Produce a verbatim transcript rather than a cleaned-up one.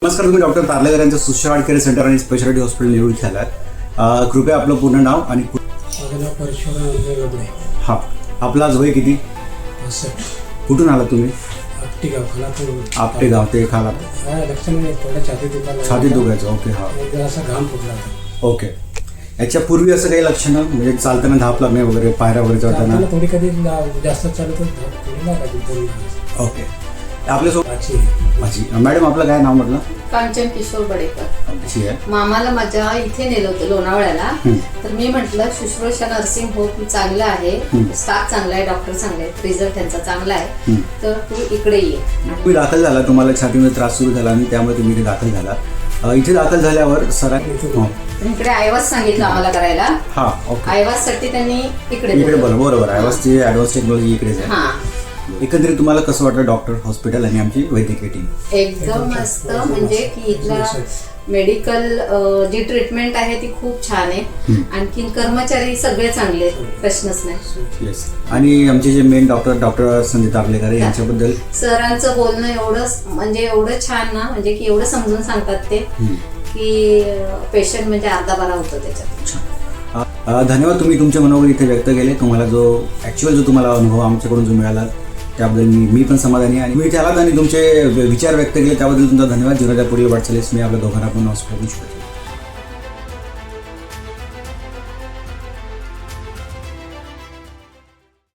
नमस्कार, तुम्ही डॉक्टर तारलेकर यांचं सुश्रावड केअर सेंटर आणि स्पेशालिटी हॉस्पिटल निवडून आलात. कृपया आपलं पूर्ण नाव आणि हा आपला आज वय किती? कुठून आला तुम्ही? आपटे गाव खालापूर. आपटे गाव ते खाला छाती दुखायला छाती दुखायचं. ओके, हा असा घाम फुटला. ओके. याच्या पूर्वी असं काही लक्षणं म्हणजे चालताना धाप लागणे वगैरे, पायऱ्या वगैरे चढताना? थोडी कधी जास्त चालत थोडी. ओके. आपल्यासोबत माझी मॅडम, आपलं काय नाव म्हटलं? कांचन किशोर बडेकर. मामाला माझ्या इथे नेलं होतं लोणावळ्याला. तर मी म्हटलं शुश्रूषा नर्सिंग होम चांगलं आहे, स्टाफ चांगला आहे, डॉक्टर चांगले आहेत, रिझल्ट त्यांचा चांगला आहे, तर तू इकडे ये. तुम्ही दाखल झाला, तुम्हाला छातीमध्ये त्रास सुरू झाला आणि त्यामुळे तुम्ही इथे दाखल झाला. इथे दाखल झाल्यावर सरांनी इकडे आयवास सांगितलं आम्हाला करायला. हा ओके. आयवास साठी त्यांनी इकडे इकडे बोला. बरोबर, आयवासची ऍडव्हान्स टेक्नॉलॉजी इकडेच आहे. हा. एकंदरीत तुम्हाला कसं वाटलं डॉक्टर, हॉस्पिटल आणि आमची वैद्यकीय टीम? एकदम मस्त. म्हणजे की इथला मेडिकल जी ट्रीटमेंट आहे ती खूप छान आहे. आणखी कर्मचारी सगळे चांगले, प्रश्नच नाही. येस. आणि आमचे जे main doctor doctor Sandeep Tarlekar यांच्याबद्दल सरांचं बोलणं एवढं म्हणजे एवढं छान ना, म्हणजे की एवढं समजून सांगतात ते की पेशंट म्हणजे अर्धा बारा होतं त्याच्यात. धन्यवाद. तुम्ही तुमचे मनोगत इथे व्यक्त केले. तुम्हाला जो ॲक्च्युअल जो तुम्हाला अनुभव आमच्याकडून जो मिळाला त्याबद्दल मी मी पण समाधानी आहे. आणि मी इथे आलात आणि तुमचे विचार व्यक्त केले त्याबद्दल तुमचा धन्यवाद. जीवनाच्या पुढील वाटचालीस मी आपल्या दोघांना पण हॉस्पिटल